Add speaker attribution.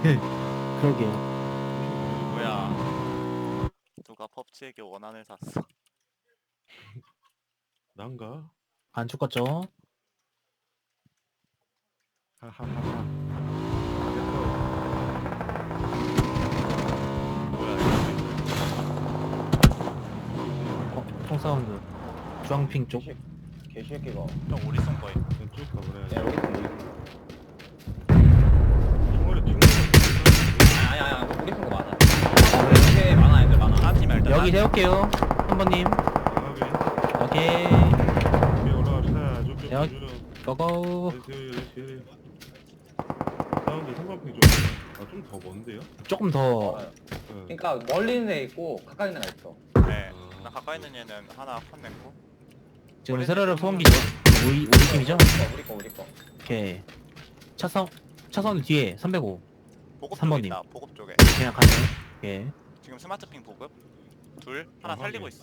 Speaker 1: 그러게요.
Speaker 2: 뭐야? 누가 펍지에게 원한을 샀어?
Speaker 3: 난가?
Speaker 1: 안 죽었죠?
Speaker 3: 하하하하.
Speaker 2: 뭐야?
Speaker 1: 총 사운드. 주황핑 쪽.
Speaker 4: 개새끼가.
Speaker 2: 형 어디 쏜 거임?
Speaker 3: 쭉 가보래.
Speaker 4: 야, 여기 있네.
Speaker 3: 총알이 튕겨.
Speaker 4: 아니야, 우리 친구 많아. 이렇게 많아, 애들 많아.
Speaker 2: 한 팀이 일단
Speaker 1: 여기 세울게요. 3번님.
Speaker 3: 강하게.
Speaker 1: 오케이.
Speaker 3: 위에 올라갑시다. 쭉쭉.
Speaker 1: 여기. 고고.
Speaker 3: 사운드 성광핑 좀. 좀 더 먼데요?
Speaker 1: 조금 더.
Speaker 4: 어,
Speaker 3: 네.
Speaker 4: 그러니까 멀리 있는 애 있고 가까이 있는 애 있어.
Speaker 2: 네. 나 가까이 있는 얘는 하나 컷냈고.
Speaker 1: 지금 세르르 소음기죠? 우리 팀이죠?
Speaker 4: 우리 거.
Speaker 1: 오케이. 차선 뒤에 305.
Speaker 2: 보급
Speaker 1: 3번님.
Speaker 2: 쪽에 있다. 보급 쪽에.
Speaker 1: 그냥 가세요. 오케이.
Speaker 2: 지금 스마트핑 보급. 둘 하나
Speaker 3: 어,
Speaker 2: 살리고
Speaker 3: 확인.
Speaker 2: 있어.